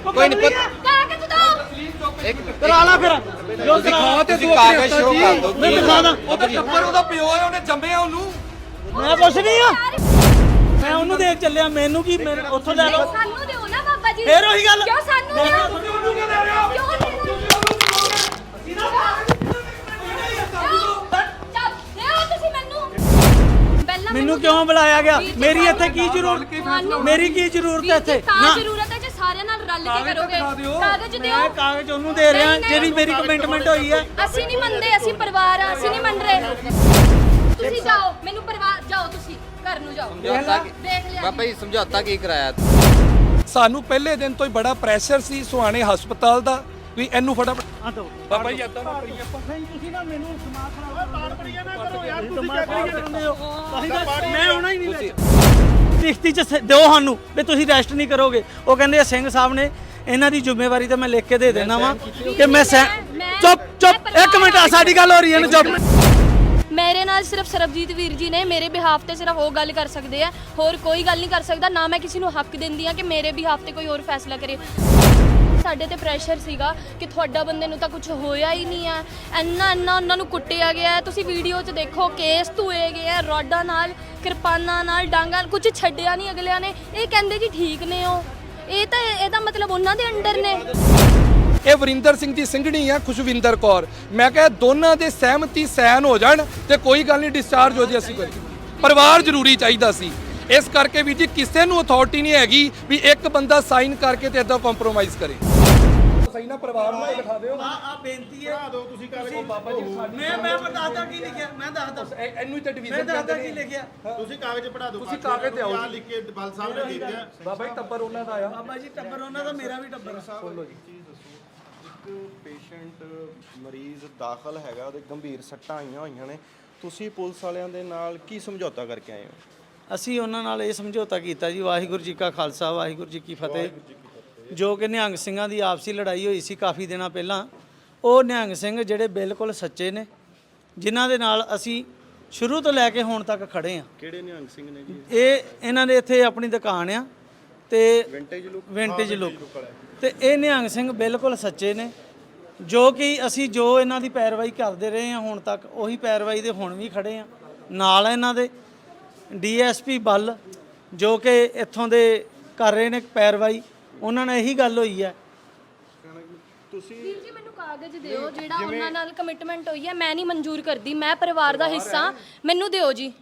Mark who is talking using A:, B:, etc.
A: ਕੋਈ ਨਹੀਂ
B: ਕਾਗਜ਼ ਦਿਓ
C: ਕਰਾ ਲਾ ਫਿਰ ਜੋ
A: ਦਿਖਾ ਤੇ ਤੂੰ ਕਾਗਜ਼ ਸ਼ੋ ਕਰ ਦੋ
C: ਮੈਂ ਦਿਖਾ ਦਾਂ
A: ਉਹਦਾ ਟੱਬਰ ਉਹਦਾ ਪਿਓ ਹੈ ਉਹਨੇ ਜੰਮਿਆ ਉਹਨੂੰ
C: ਮੈਂ ਕੁਛ ਨਹੀਂ ਆ ਮੈਂ ਉਹਨੂੰ ਦੇਖ ਚੱਲਿਆ ਮੈਨੂੰ ਕੀ ਉੱਥੋਂ ਲੈ ਲਓ
B: ਸਾਨੂੰ ਦਿਓ ਨਾ ਬਾਬਾ ਜੀ
C: ਫੇਰ ਉਹੀ ਗੱਲ
B: ਕਿਉਂ ਸਾਨੂੰ ਦਿਓ
A: ਉਹਨੂੰ ਕਿਉਂ ਦੇ ਰਹੇ ਹੋ
B: ਕਿਉਂ ਦੇ ਰਹੇ ਤੁਸੀਂ ਮੈਨੂੰ
C: ਮੈਨੂੰ ਕਿਉਂ ਬੁਲਾਇਆ ਗਿਆ ਮੇਰੀ ਇੱਥੇ ਕੀ ਜ਼ਰੂਰਤ ਮੇਰੀ ਕੀ ਜ਼ਰੂਰਤ ਹੈ ਇੱਥੇ
B: ਤਾਂ ਜ਼ਰੂਰਤ ਹੈ ਜੇ ਸਾਰਿਆਂ ਨਾਲ ਰਲ ਕੇ ਕਰੋਗੇ ਕਾਗਜ਼ ਦਿਓ
C: ਮੈਂ ਕਾਗਜ਼ ਉਹਨੂੰ ਦੇ ਰਿਹਾ ਜਿਹੜੀ ਮੇਰੀ ਕਮਿਟਮੈਂਟ ਹੋਈ ਹੈ
B: ਅਸੀਂ ਨਹੀਂ ਮੰਨਦੇ ਅਸੀਂ ਪਰਿਵਾਰ ਆ ਅਸੀਂ ਨਹੀਂ ਮੰਨ ਰਹੇ ਤੁਸੀਂ ਜਾਓ ਮੈਨੂੰ ਪਰਿਵਾਰ ਜਾਓ ਤੁਸੀਂ ਘਰ ਨੂੰ ਜਾਓ ਦੇਖ ਲਿਆ
A: ਬਾਬਾ ਜੀ ਸਮਝੌਤਾ ਕੀ ਕਰਾਇਆ
D: ਸਾਨੂੰ ਪਹਿਲੇ ਦਿਨ ਤੋਂ ਹੀ ਬੜਾ ਪ੍ਰੈਸ਼ਰ ਸੀ ਸੁਹਾਣੇ ਹਸਪਤਾਲ ਦਾ ਵੀ ਇਹਨੂੰ ਫਟਾਫਟ
C: ਆ ਦੋ
D: ਬਾਬਾ ਜੀ ਏਦਾਂ ਨਾ ਕਰੀਏ ਆਪਾਂ
C: ਤੁਸੀਂ ਨਾ ਮੈਨੂੰ ਦਿਮਾਗ ਖਰਾਬ ਪਾੜ ਪੜੀਆਂ ਨਾ ਕਰੋ ਯਾਰ ਤੁਸੀਂ ਮੈਂ ਆਉਣਾ ਹੀ ਨਹੀਂ ਵਿੱਚ ਲਿਖਤੀ ਚ ਦਿਓ ਸਾਨੂੰ ਵੀ ਤੁਸੀਂ ਰੈਸਟ ਨਹੀਂ ਕਰੋਗੇ ਉਹ ਕਹਿੰਦੇ ਸਿੰਘ ਸਾਹਿਬ ਨੇ ਇਹਨਾਂ ਦੀ ਜ਼ਿੰਮੇਵਾਰੀ ਤਾਂ ਮੈਂ ਲਿਖ ਕੇ ਦੇ ਦੇਣਾ ਵਾ ਕਿ ਮੈਂ ਚੁੱਪ ਇੱਕ ਮਿੰਟ ਸਾਡੀ ਗੱਲ ਹੋ ਰਹੀ ਹੈ ਨਾ ਚੁੱਪ
B: ਮੇਰੇ ਨਾਲ ਸਿਰਫ ਸਰਬਜੀਤ ਵੀਰ ਜੀ ਨੇ ਮੇਰੇ ਬਿਹਾਫ ਤੇ ਸਿਰਫ ਉਹ ਗੱਲ ਕਰ ਸਕਦੇ ਆ ਹੋਰ ਕੋਈ ਗੱਲ ਨਹੀਂ ਕਰ ਸਕਦਾ ਨਾ ਮੈਂ ਕਿਸੇ ਨੂੰ ਹੱਕ ਦਿੰਦੀ ਆ ਕਿ ਮੇਰੇ ਬਿਹਾਫ ਤੇ ਕੋਈ ਹੋਰ ਫੈਸਲਾ ਕਰੇ ਸਾਡੇ ਤੇ ਪ੍ਰੈਸ਼ਰ ਸੀਗਾ ਕਿ ਤੁਹਾਡਾ ਬੰਦੇ ਨੂੰ ਤਾਂ ਕੁਝ ਹੋਇਆ ਹੀ ਨਹੀਂ ਆ ਇੰਨਾ ਉਹਨਾਂ ਨੂੰ ਕੁੱਟਿਆ ਗਿਆ ਤੁਸੀਂ ਵੀਡੀਓ 'ਚ ਦੇਖੋ ਕੇਸ ਧੋਏ ਗਏ ਆ ਰੋਡਾਂ ਨਾਲ ਕਿਰਪਾਨਾਂ ਨਾਲ ਡਾਂਗਾਂ ਕੁਝ ਛੱਡਿਆ ਨਹੀਂ ਅਗਲਿਆਂ ਨੇ ਇਹ ਕਹਿੰਦੇ ਜੀ ਠੀਕ ਨੇ ਉਹ ਇਹਦਾ ਮਤਲਬ ਉਹਨਾਂ ਦੇ ਅੰਡਰ ਨੇ
D: ਇਹ ਵਰਿੰਦਰ ਸਿੰਘ ਦੀ ਸਿੰਘਣੀ ਆ ਖੁਸ਼ਵਿੰਦਰ ਕੌਰ ਮੈਂ ਕਿਹਾ ਦੋਨਾਂ ਦੇ ਸਹਿਮਤੀ ਸੈਨ ਹੋ ਜਾਣ ਤੇ ਕੋਈ ਗੱਲ ਨਹੀਂ ਡਿਸਚਾਰਜ ਹੋ ਜੇ ਅਸੀਂ ਕੋਈ ਪਰਿਵਾਰ ਜ਼ਰੂਰੀ ਚਾਹੀਦਾ ਸੀ ਇਸ ਕਰਕੇ ਵੀ ਜੀ ਕਿਸੇ ਨੂੰ ਅਥਾਰਟੀ ਨਹੀਂ ਹੈਗੀ ਵੀ ਇੱਕ ਬੰਦਾ ਸਾਈਨ ਕਰਕੇ ਤੇ ਇਦਾਂ ਕੰਪਰੋਮਾਈਜ਼ ਕਰੇ ਸਹੀ ਨਾ ਪਰਿਵਾਰ ਨੂੰ ਦਿਖਾ ਦਿਓ
C: ਆ ਬੇਨਤੀ ਹੈ
D: ਬਣਾ ਦਿਓ ਤੁਸੀਂ ਕਾਗਜ਼ ਬਾਬਾ ਜੀ
C: ਮੈਂ ਦੱਸਦਾ ਕੀ ਲਿਖਿਆ ਮੈਂ ਦੱਸਦਾ
D: ਇਹਨੂੰ ਹੀ ਤਾਂ
C: ਮੈਂ
D: ਡਿਵੀਜ਼ਨ
C: ਦੱਸਦਾ ਕੀ ਲਿਖਿਆ
E: ਤੁਸੀਂ ਕਾਗਜ਼ ਪੜਾ ਦਿਓ
D: ਤੁਸੀਂ ਕਾਗਜ਼ ਤੇ ਆਓ ਜੀ
E: ਲਿਖ ਕੇ ਬਲ ਸਾਹਿਬ ਨੇ ਦੇ ਦਿੱਤਾ
D: ਬਾਬਾ ਜੀ ਟੱਬਰ ਉਹਨਾਂ ਦਾ ਆ
C: ਬਾਬਾ ਜੀ ਟੱਬਰ ਉਹਨਾਂ ਦਾ ਮੇਰਾ ਵੀ ਟੱਬਰ
D: ਬੋਲੋ ਜੀ
E: ਇੱਕ ਪੇਸ਼ੈਂਟ ਮਰੀਜ਼ ਦਾਖਲ ਹੈਗਾ ਉਹਦੇ ਗੰਭੀਰ ਸੱਟਾਂ ਆਈਆਂ ਹੋਈਆਂ ਨੇ ਤੁਸੀਂ ਪੁਲਿਸ ਵਾਲਿਆਂ ਦੇ ਨਾਲ ਕੀ ਸਮਝੌਤਾ ਕਰਕੇ ਆਏ ਹੋ
C: ਅਸੀਂ ਉਹਨਾਂ ਨਾਲ ਇਹ ਸਮਝੌਤਾ ਕੀਤਾ ਜੀ ਵਾਹਿਗੁਰੂ ਜੀ ਕਾ ਖਾਲਸਾ ਵਾਹਿਗੁਰੂ ਜੀ ਕੀ ਫਤਿਹ ਜੋ ਕਿ ਨਿਹੰਗ ਸਿੰਘਾਂ ਦੀ ਆਪਸੀ ਲੜਾਈ ਹੋਈ ਸੀ ਕਾਫੀ ਦਿਨਾਂ ਪਹਿਲਾਂ ਉਹ ਨਿਹੰਗ ਸਿੰਘ ਜਿਹੜੇ ਬਿਲਕੁਲ ਸੱਚੇ ਨੇ ਜਿਨ੍ਹਾਂ ਦੇ ਨਾਲ ਅਸੀਂ ਸ਼ੁਰੂ ਤੋਂ ਲੈ ਕੇ ਹੁਣ ਤੱਕ ਖੜੇ ਆ
E: ਕਿਹੜੇ ਨਿਹੰਗ ਸਿੰਘ ਨੇ ਜੀ
C: ਇਹਨਾਂ ਦੇ ਇੱਥੇ ਆਪਣੀ ਦੁਕਾਨ ਆ ਤੇ ਵਿੰਟੇਜ ਲੁੱਕ ਤੇ ਇਹ ਨਿਹੰਗ ਸਿੰਘ ਬਿਲਕੁਲ ਸੱਚੇ ਨੇ ਜੋ ਕਿ ਅਸੀਂ ਜੋ ਇਹਨਾਂ ਦੀ ਪੈਰਵਾਈ ਕਰਦੇ ਰਹੇ ਹਾਂ ਹੁਣ ਤੱਕ ਉਹੀ ਪੈਰਵਾਈ ਦੇ ਹੁਣ ਵੀ ਖੜੇ ਆ ਨਾਲ ਇਹਨਾਂ ਦੇ ਡੀਐਸਪੀ ਬੱਲ ਜੋ ਕਿ ਇੱਥੋਂ ਦੇ ਕਰ ਰਹੇ ਨੇ ਪੈਰਵਾਈ ਉਹਨਾਂ ਨਾਲ ਇਹੀ ਗੱਲ ਹੋਈ ਹੈ
E: ਤੁਸੀਂ
B: ਵੀਰ ਜੀ ਮੈਨੂੰ ਕਾਗਜ਼ ਦਿਓ ਜਿਹੜਾ ਉਹਨਾਂ ਨਾਲ ਕਮਿਟਮੈਂਟ ਹੋਈ ਹੈ ਮੈਂ ਨਹੀਂ ਮਨਜ਼ੂਰ ਕਰਦੀ ਮੈਂ ਪਰਿਵਾਰ ਦਾ ਹਿੱਸਾ ਮੈਨੂੰ ਦਿਓ ਜੀ